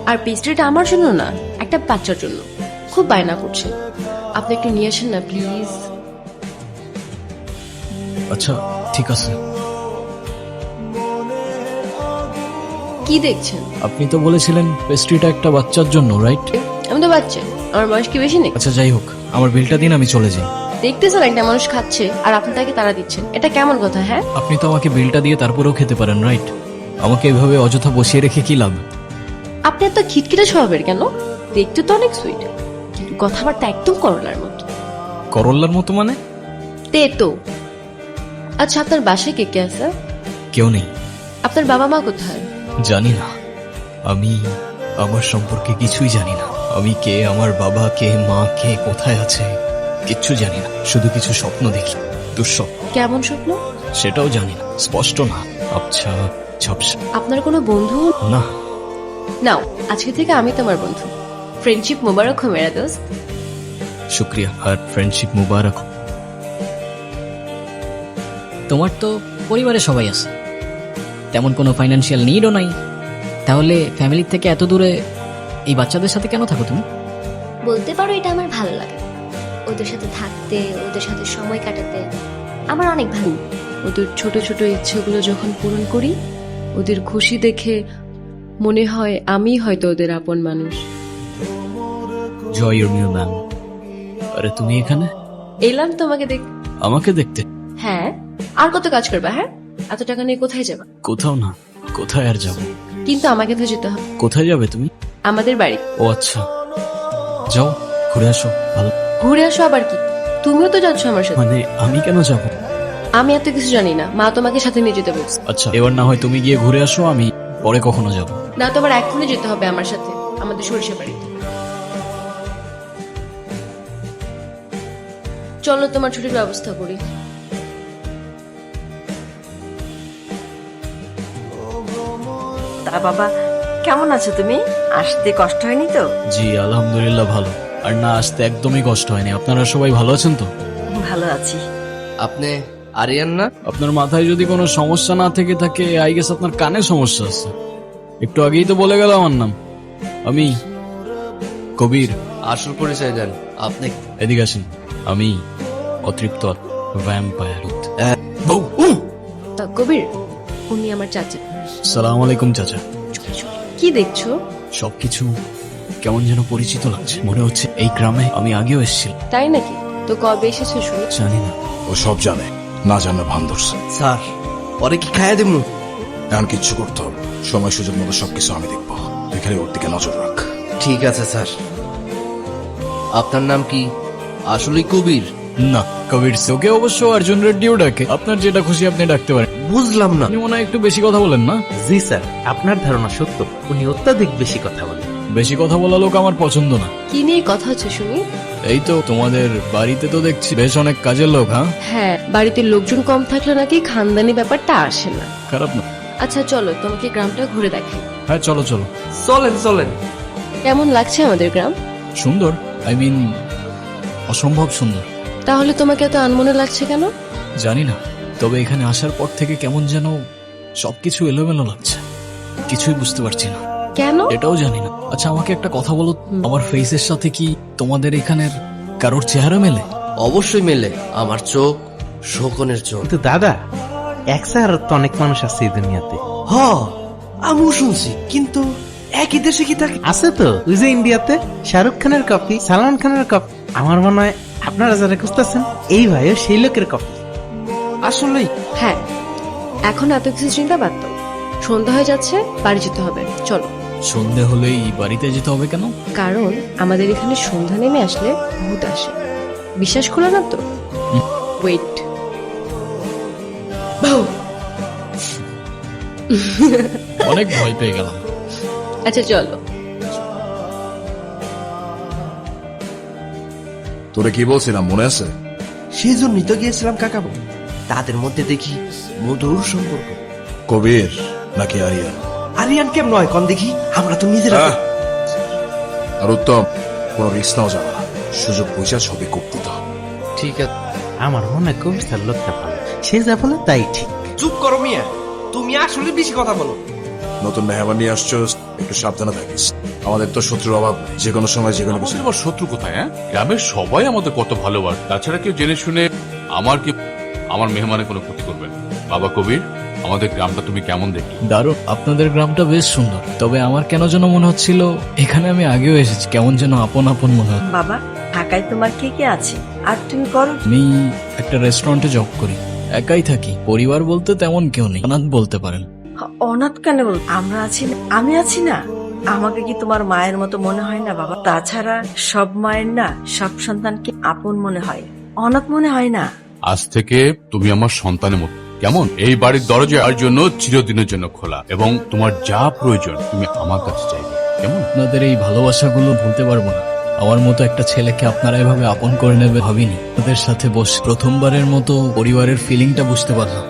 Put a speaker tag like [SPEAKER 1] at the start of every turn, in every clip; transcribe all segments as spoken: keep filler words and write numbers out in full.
[SPEAKER 1] আর পেস্ট্রিটা আমার জন্য না, একটা বাচ্চার জন্য। খুব বায়না করছে, আপনি একটু নিয়ে আসেন না প্লিজ।
[SPEAKER 2] আচ্ছা ঠিক আছে।
[SPEAKER 1] কি দেখছেন?
[SPEAKER 2] আপনি তো বলেছিলেন পেস্ট্রিটা একটা বাচ্চার জন্য, রাইট?
[SPEAKER 1] আমি তো বাচ্চা, আমার বয়স কি বেশি নেই?
[SPEAKER 2] আচ্ছা যাই হোক, আমার বিলটা দিন, আমি চলে যাই।
[SPEAKER 1] দেখতেছেন একটা মানুষ খাচ্ছে আর আপনি তাকে তাড়া দিচ্ছেন, এটা কেমন কথা? হ্যাঁ,
[SPEAKER 2] আপনি তো আমাকে বিলটা দিয়ে তারপরেও খেতে পারেন, রাইট? আমাকে এভাবে অযথা বসিয়ে রেখে কি লাভ?
[SPEAKER 1] আপনি এত খিটখিটে স্বভাবের কেন? দেখতে তো অনেক সুইট, কিন্তু কথাবার্তা একদম করলার মতো।
[SPEAKER 2] করল্লার মতো মানে?
[SPEAKER 1] তে তো। আচ্ছা, আপনার বাসায় কে কে আছে?
[SPEAKER 2] কেউ নেই।
[SPEAKER 1] আপনার বাবা মা কোথায়?
[SPEAKER 2] জানি না, আমি আমার সম্পর্কে কিছুই জানি না। আমি কে, আমার বাবা কে, মা কে, কোথায় আছে, কিচ্ছু জানি না। শুধু কিছু স্বপ্ন দেখি, দুঃস্বপ্ন।
[SPEAKER 1] কেমন স্বপ্ন?
[SPEAKER 2] সেটাও জানি না, স্পষ্ট না, আচ্ছা ঝাপসা।
[SPEAKER 1] আপনার কোনো বন্ধু?
[SPEAKER 2] না।
[SPEAKER 1] নাও, আজকে থেকে আমি তোমার বন্ধু। ফ্রেন্ডশিপ মোবারক হো মেরা দোস্ত।
[SPEAKER 2] শুক্রিয়া, আর ফ্রেন্ডশিপ মুবারক।
[SPEAKER 3] তোমার তো পরিবারে সবাই আছে, তেমন কোনো ফাইন্যান্সিয়াল নিডও নাই, তাহলে ফ্যামিলির থেকে এত দূরে এই বাচ্চাদের সাথে কেন থাকো তুমি?
[SPEAKER 4] বলতে পারো এটা আমার ভালো লাগে, ওদের সাথে থাকতে, ওদের সাথে সময় কাটাতে আমার অনেক ভালো।
[SPEAKER 1] ওদের ছোট ছোট ইচ্ছেগুলো যখন পূরণ করি, ওদের খুশি দেখে মনে হয় আমি হয়তো ওদের আপন মানুষ।
[SPEAKER 2] জয় ইউর নিউ ম্যাম। আরে তুমি এখানে?
[SPEAKER 1] এলাম তোমাকে দেখ।
[SPEAKER 2] আমাকে দেখতে?
[SPEAKER 1] হ্যাঁ, আর কত কাজ করবা? হ্যাঁ, এত টাকা নিয়ে কোথায় যাবা?
[SPEAKER 2] কোথাও না, কোথায় আর যাবো?
[SPEAKER 1] কিন্তু আমাকে তো যেতে হবে।
[SPEAKER 2] কোথায় যাবে তুমি?
[SPEAKER 1] আমাদের বাড়ি।
[SPEAKER 2] ও আচ্ছা, যাও ঘুরে আসো। ভালো।
[SPEAKER 1] ঘুরে আসো আবার কি? তুমিও তো যাচ্ছ আমার সাথে।
[SPEAKER 2] মানে আমি কেন যাব?
[SPEAKER 1] আমি এত কিছু জানি না, মা তোমাকে সাথে নিয়ে যেতে বলছে।
[SPEAKER 2] আচ্ছা, এবার না হয় তুমি গিয়ে ঘুরে আসো, আমি পরে কখনো যাব।
[SPEAKER 1] না, তোমার এখনই যেতে হবে আমার সাথে, আমাদের সরিষা বাড়িতে। চলো তোমার ছুটির ব্যবস্থা করি।
[SPEAKER 5] তা বাবা, কেমন আছো তুমি? আসতে কষ্ট হয়নি তো?
[SPEAKER 2] জি আলহামদুলিল্লাহ ভালো। আর না আসতে একদমই কষ্ট হয়নি। আপনারা সবাই ভালো আছেন তো?
[SPEAKER 5] ভালো আছি।
[SPEAKER 6] আপনি আরিয়ান না?
[SPEAKER 2] আপনার মাথায় যদি কোনো সমস্যা না থেকে থাকে, আই গেস আপনার কানে সমস্যা আছে। একটু আগেই তো বলে গেল আমার নাম। আমি কবির।
[SPEAKER 6] আসল পরিচয় দেন আপনি।
[SPEAKER 2] এদিকে আসেন। আমি অতৃপ্ত ভ্যাম্পায়ার।
[SPEAKER 1] তা কবির, উনি আমার চাচা।
[SPEAKER 2] সালাম আলাইকুম চাচা।
[SPEAKER 1] কি দেখছো?
[SPEAKER 2] সবকিছু কেমন যেন পরিচিত লাগছে, মনে হচ্ছে এই গ্রামে আমি আগেও এসেছিলাম।
[SPEAKER 1] তাই নাকি? তো কবে এসেছো শুনি?
[SPEAKER 2] জানি না।
[SPEAKER 7] ও সব জানে, না জানে ভান ধরছে।
[SPEAKER 6] স্যার, পরে কি খাইয়া দেবো?
[SPEAKER 7] এখন কিচ্ছু করতে হবে, সময় সুযোগ মতো সবকিছু আমি দেখবো। তুই খালি ওর দিকে নজর রাখ।
[SPEAKER 6] ঠিক আছে স্যার। আপনার নাম কি আসলেই কবির?
[SPEAKER 2] না, কবির ওকে অবশ্য অর্জুন রেড্ডিও ডাকে। আপনার যেটা খুশি আপনি ডাকতে পারেন।
[SPEAKER 6] বুঝলাম না।
[SPEAKER 2] আপনি মনে হয় একটু বেশি কথা বলেন না?
[SPEAKER 8] জি স্যার, আপনার ধারণা সত্য, উনি অত্যাধিক বেশি কথা বলেন।
[SPEAKER 2] বেশি কথা বলা লোক আমার পছন্দ না।
[SPEAKER 1] কি নিয়ে কথা হচ্ছে শুনি?
[SPEAKER 2] এই তো তোমাদের বাড়িতে তো দেখছি বেশ অনেক কাজের লোক। হ্যাঁ
[SPEAKER 1] হ্যাঁ, বাড়িতে লোকজন কম থাকলে নাকি খানদানি ব্যাপারটা আসে না।
[SPEAKER 2] খারাপ না।
[SPEAKER 1] আচ্ছা চলো, তোমাকে গ্রামটা ঘুরে দেখাই।
[SPEAKER 2] হ্যাঁ চলো চলো।
[SPEAKER 6] চলেন চলেন।
[SPEAKER 1] কেমন লাগছে আমাদের গ্রাম?
[SPEAKER 2] সুন্দর, আই মিন অসম্ভব সুন্দর।
[SPEAKER 1] তাহলে তোমাকে এত আনমনে লাগছে কেন?
[SPEAKER 2] জানি না, তবে এখানে আসার পর থেকে কেমন যেন সবকিছু এলোমেলো লাগছে, কিছুই বুঝতে পারছি না।
[SPEAKER 1] কেন?
[SPEAKER 2] এটাও জানি না। আচ্ছা আমাকে একটা কথা বলো, আমার ফেসের সাথে কি তোমাদের এখানের কারোর চেহারা মেলে?
[SPEAKER 6] অবশ্যই মেলে। আমার চোখ শোকনের চোখ।
[SPEAKER 8] কিন্তু দাদা, এক স্যার তো অনেক মানুষ আছে এই দুনিয়াতে।
[SPEAKER 6] হ, আমিও শুনছি, কিন্তু একই দেশে কি থাকে?
[SPEAKER 8] আছে তো, ওই যে ইন্ডিয়াতে শাহরুখ খানের কপি, সালমান খানের কপি। আমার মনে হয় আপনারা যারা খুঁজতেছেন এই ভাইও সেই লোকের কপি।
[SPEAKER 6] আসলেই?
[SPEAKER 1] হ্যাঁ, এখন এত কিছু চিন্তা বাদ দাও। সন্ধ্যা হয়ে যাচ্ছে, বাড়ি যেতে হবে, চলো।
[SPEAKER 2] সন্ধে হলেই বাড়িতে যেতে হবে কেন?
[SPEAKER 1] কারণ আমাদের এখানে সন্ধ্যা নেমে আসলে ভূত আসে। বিশ্বাস করো না তো? ওয়েট।
[SPEAKER 2] অনেক ভয় পেয়ে গেলাম।
[SPEAKER 1] আচ্ছা চলো।
[SPEAKER 7] তোরে কি বলছিলাম মনে আছে?
[SPEAKER 6] সেই জন্যই তো গিয়েছিলাম কাকাবু। তাদের মধ্যে দেখি মধুর সম্পর্ক।
[SPEAKER 7] কবির নাকি আরিয়ান?
[SPEAKER 6] আরিয়ান কেমন নয় কন দেখি, আমরা তো নিজেরা।
[SPEAKER 7] আহ! আর উত্তম, কোনো রিস্ক নাও যাবে না, সুযোগ পয়সা ছবি কোপ দিতে হবে।
[SPEAKER 6] ঠিক আছে।
[SPEAKER 8] আমার মনে হয় কবি স্যার লোকটা ভালো, সে যা বলে তাই ঠিক।
[SPEAKER 6] চুপ করো মিয়া, তুমি আসলে বেশি কথা বলো।
[SPEAKER 7] নতুন মেহমান নিয়ে আসছো, একটু সাবধানে থাকিস। আমাদের তো শত্রুর অভাব নেই। যে কোনো সময় যে কোনো কিছু
[SPEAKER 9] আমাদের আবার শত্রু কোথায়? হ্যাঁ, গ্রামের সবাই আমাদের কত ভালোবাসে। তাছাড়া কেউ জেনে শুনে আমার কি আমার মেহমানের কোনো ক্ষতি করবে না। বাবা কবির, আমাদের গ্রামটা তুমি কেমন দেখলে?
[SPEAKER 2] দারুণ, আপনাদের গ্রামটা বেশ সুন্দর। তবে আমার কেন যেন মনে হচ্ছিল এখানে আমি আগেও এসেছি, কেমন যেন আপন আপন মনে হচ্ছে।
[SPEAKER 5] বাবা, ঢাকায় তোমার কে কে আছে আর তুমি করো কি?
[SPEAKER 2] আমি একটা রেস্টুরেন্টে জব করি, একাই থাকি। পরিবার বলতে তেমন কেউ নেই, অনাথ বলতে পারেন।
[SPEAKER 5] অনাথ কেন বল? আমরা আছি না, আমি আছি না। আমাকে কি তোমার মায়ের মতো মনে হয় না বাবা? তাছাড়া সব মায়ের না সব সন্তানকে আপন মনে হয়, অনাথ মনে হয় না।
[SPEAKER 9] আজ থেকে তুমি আমার সন্তানের মতো, কেমন? এই বাড়ির দরজা আর জন্য চিরদিনের জন্য খোলা, এবং তোমার যা প্রয়োজন তুমি আমার কাছে চাইবে, কেমন?
[SPEAKER 2] আপনাদের এই ভালোবাসাগুলো ভুলতে পারবো না। আমার মতো একটা ছেলেকে আপনারা এভাবে আপন করে নেবে ভাবিনি। ওদের সাথে বসে প্রথমবারের মতো পরিবারের ফিলিংটা বুঝতে পারলাম।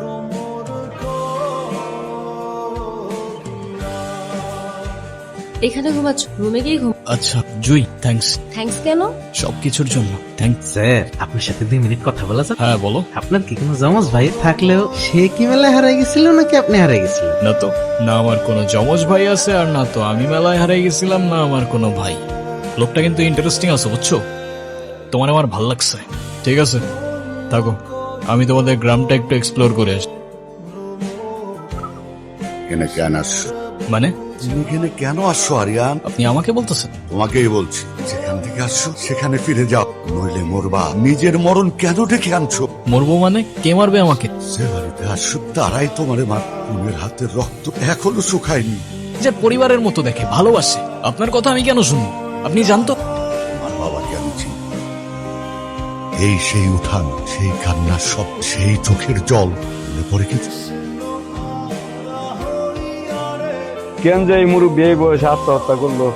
[SPEAKER 1] এখানে ঘুমাচ্ছ, রুমে গিয়ে ঘুম।
[SPEAKER 2] আচ্ছা জুই, থ্যাঙ্কস
[SPEAKER 1] থ্যাঙ্কস কেন?
[SPEAKER 2] সবকিছুর জন্য। থ্যাঙ্কস।
[SPEAKER 8] স্যার, আপনার সাথে দুই মিনিট কথা বলা যাবে?
[SPEAKER 2] হ্যাঁ বলো।
[SPEAKER 8] আপনার কি কোনো জমজ ভাই থাকলেও সে কি মেলায় হারাই গেছিল নাকি আপনি হারাই গেছিলেন?
[SPEAKER 2] না তো, না আমার কোনো জমজ ভাই আছে, আর না তো আমি মেলায় হারাই গেছিলাম, না আমার কোনো ভাই। লোকটা কিন্তু ইন্টারেস্টিং আছে, বুঝছো? তোমার আমার ভাল লাগছে। ঠিক আছে, থাকো, আমি তোমাদের গ্রামটা একটু এক্সপ্লোর করে আসি।
[SPEAKER 10] এখানে কেন আসছো?
[SPEAKER 2] মানে
[SPEAKER 10] তুমি এখানে কেন আসছো আরিয়ান?
[SPEAKER 2] আপনি আমাকে বলতেছেন?
[SPEAKER 10] তোমাকেই বলছি, যেখান থেকে আসছো সেখানে ফিরে যাও, নইলে মরবা। নিজের মরণ কেন ডেকে আনছো?
[SPEAKER 2] মরবো মানে? কে মারবে আমাকে?
[SPEAKER 10] যে বাড়িতে আসছো তারাই তোমারে মার। খুনের হাতের রক্ত এখনো শুকায়নি।
[SPEAKER 2] যে পরিবারের মতো দেখে, ভালোবাসে। আপনার কথা আমি কেন শুনবো? আপনি জানতো?
[SPEAKER 10] আমার বাবাকে আমি চিনি। এই সেই উঠান, সেই কান্নার সব, সেই চোখের জল মনে পড়ে কিছু?
[SPEAKER 11] কেন যে এই মুরব্বী এই বয়সে আত্মহত্যা করলো?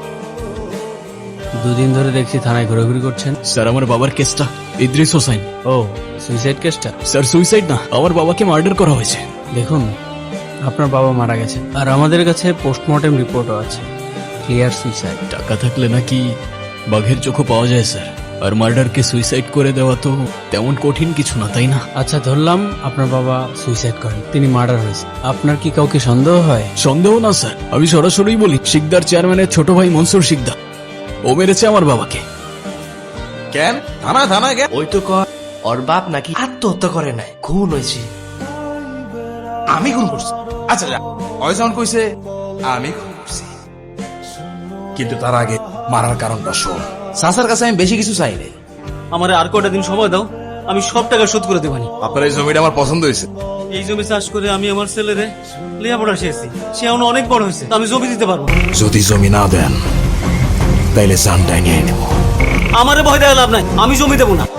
[SPEAKER 8] দুদিন ধরে দেখছি থানায় ঘোরাঘুরি করছেন।
[SPEAKER 2] স্যার, আমার বাবার কেসটা, ইদ্রিস হোসেন।
[SPEAKER 8] ও, সুইসাইড কেসটা?
[SPEAKER 2] স্যার সুইসাইড না, আমার বাবাকে মার্ডার করা হয়েছে।
[SPEAKER 8] দেখুন, আপনার বাবা মারা গেছে, আর আমাদের কাছে পোস্টমর্টেম রিপোর্টও আছে, ক্লিয়ার সুইসাইড।
[SPEAKER 2] টাকা থাকলে নাকি বাঘের চোখও পাওয়া যায় স্যার। আর মার্ডারকে সুইসাইড করে দেওয়া তো তেমন কঠিন কিছু না, তাই না?
[SPEAKER 8] আচ্ছা, ধরলাম আপনার বাবা সুইসাইড করেন, তিনি মার্ডার হয়েছে। আপনার কি কাউকে সন্দেহ হয়?
[SPEAKER 2] সন্দেহ না স্যার, আমি সরাসরি বলি, শিকদার চেয়ারম্যানের ছোট ভাই মনসুর শিকদার, ও মেরেছে আমার বাবাকে।
[SPEAKER 6] কেন থানা থানা গে ওই তো কর ওর বাপ নাকি আত্মহত্যা করে নাই, খুন হয়েছে। আমি খুন করছি? আচ্ছা যা, ওই যখন কইছে আমি খুন করছি, কিন্তু তার আগে মারার কারণটা শোন। সাসার কাছে আমি বেশি কিছু চাই নাই।
[SPEAKER 11] আমার আর কয়টা দিন সময় দাও, আমি সব টাকা শোধ করে দেবানি।
[SPEAKER 7] আপনার এই জমিটা আমার পছন্দ হয়েছে।
[SPEAKER 11] এই জমি চাষ করে আমি আমার ছেলেরে লেখাপড়া শিখেছি, সে এখন অনেক বড় হয়েছে, আমি জমি দিতে পারবো।
[SPEAKER 7] যদি জমি না দেন তাইলে জানটাই নিয়ে নেব।
[SPEAKER 11] আমারে ভয় দেওয়া লাভ নাই, আমি জমি দেবো না।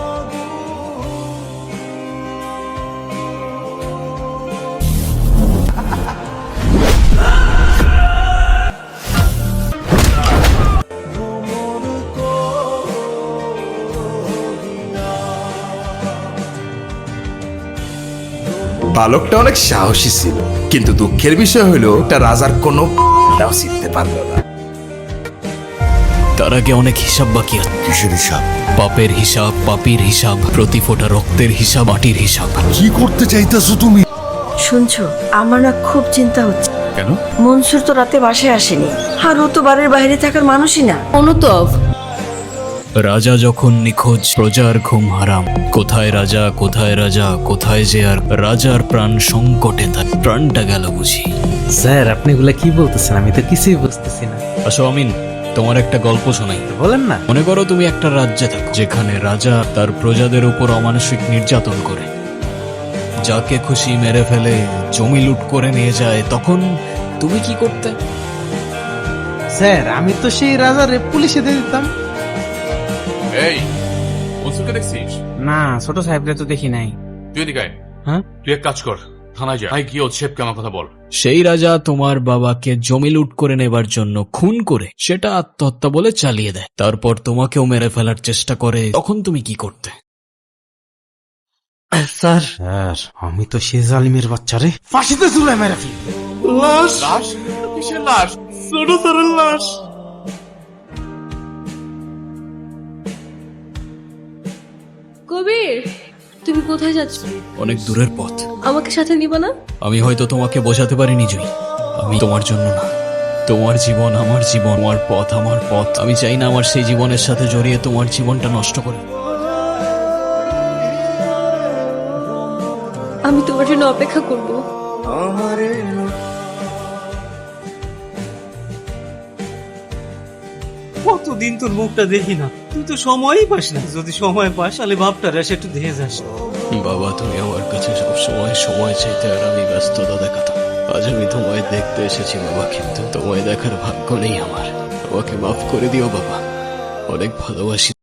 [SPEAKER 7] বালকটা অনেক সাহসী ছিল, কিন্তু দুঃখের বিষয় হলো তা রাজার কোনো নাও চিনতে পারলো না।
[SPEAKER 2] তার আগে অনেক হিসাব বাকি আছে।
[SPEAKER 10] কিসের হিসাব?
[SPEAKER 2] পাপের হিসাব, পাপির হিসাব, প্রতি ফোঁটা রক্তের হিসাব, মাটির হিসাব।
[SPEAKER 10] কি করতে চাইতেছো তুমি?
[SPEAKER 5] শুনছো, আমার না খুব চিন্তা হচ্ছে।
[SPEAKER 9] কেন?
[SPEAKER 5] মনসুর তো রাতে বাসায় আসেনি, আর ও তো বাড়ির বাইরে থাকার মানুষই না।
[SPEAKER 1] অনুতপ,
[SPEAKER 2] রাজা যখন নিখোঁজ, প্রজার ঘুম হারাম। কোথায় রাজা, কোথায় রাজা, কোথায় যে আর রাজার প্রাণ সংকটে, তার প্রাণটা গেল বুঝি।
[SPEAKER 8] স্যার, আপনি এগুলা কি বলতেছেন? আমি তো কিছুই বুঝতেছি না।
[SPEAKER 2] আসো আমিন, তোমার একটা গল্প শোনাই।
[SPEAKER 8] বলেন না।
[SPEAKER 2] মনে করো তুমি একটা রাজ্যে থাকো, যেখানে রাজা তার প্রজাদের উপর অমানসিক নির্যাতন করে, যাকে খুশি মেরে ফেলে, জমি লুট করে নিয়ে যায়। তখন তুমি কি করতে?
[SPEAKER 8] স্যার, আমি তো সেই রাজারে পুলিশে দিয়ে দিতাম।
[SPEAKER 9] এই মনসুরকে দেখছিস?
[SPEAKER 8] না, ছোট সাহেবরে তো দেখি নাই।
[SPEAKER 9] তুই এদিকে আয়।
[SPEAKER 8] হ্যাঁ?
[SPEAKER 9] তুই এক কাজ কর, থানায় যা, ভাই গিয়ে ওর শেফকে আমার কথা বল।
[SPEAKER 2] সেই রাজা তোমার বাবাকে জমি লুট করে নেবার জন্য খুন করে সেটা আত্মহত্যা বলে চালিয়ে দেয়, তারপর তোমাকেও মেরে ফেলার চেষ্টা করে। তখন তুমি কি করতে?
[SPEAKER 8] স্যার, স্যার, আমি তো সে জালিমের বাচ্চারে ফাঁসিতে ঝুলে মেরে ফেলি।
[SPEAKER 9] লাশ? লাশ? কিসের লাশ? ছোট স্যারের লাশ।
[SPEAKER 1] কবির, তুমি কোথায় যাচ্ছ?
[SPEAKER 2] অনেক দূরের পথ,
[SPEAKER 1] আমাকে সাথে নিবা না?
[SPEAKER 2] আমি হয়তো তোমাকে বোঝাতে পারিনি জুই। আমি তোমার জন্য না, তোমার জীবন আমার জীবন, আমার পথ আমার পথ। আমি চাই না আমার সেই জীবনের সাথে জড়িয়ে তোমার জীবনটা নষ্ট করে।
[SPEAKER 1] আমি তোমার জন্য অপেক্ষা করব।
[SPEAKER 11] কতদিন তোর মুখটা দেখি না, তুই তো সময়ই পাস না। যদি সময় পাস তাহলে বাপটা রেসে একটু দেখে যাস।
[SPEAKER 2] বাবা, তুমি আমার কাছে সব সময় সময় চাইতে আর আমি ব্যস্ততা দেখাতাম। আজ আমি তোমায় দেখতে এসেছি বাবা, কিন্তু তোমায় দেখার ভাগ্য নেই আমার। আমাকে মাফ করে দিও বাবা, অনেক ভালোবাসি।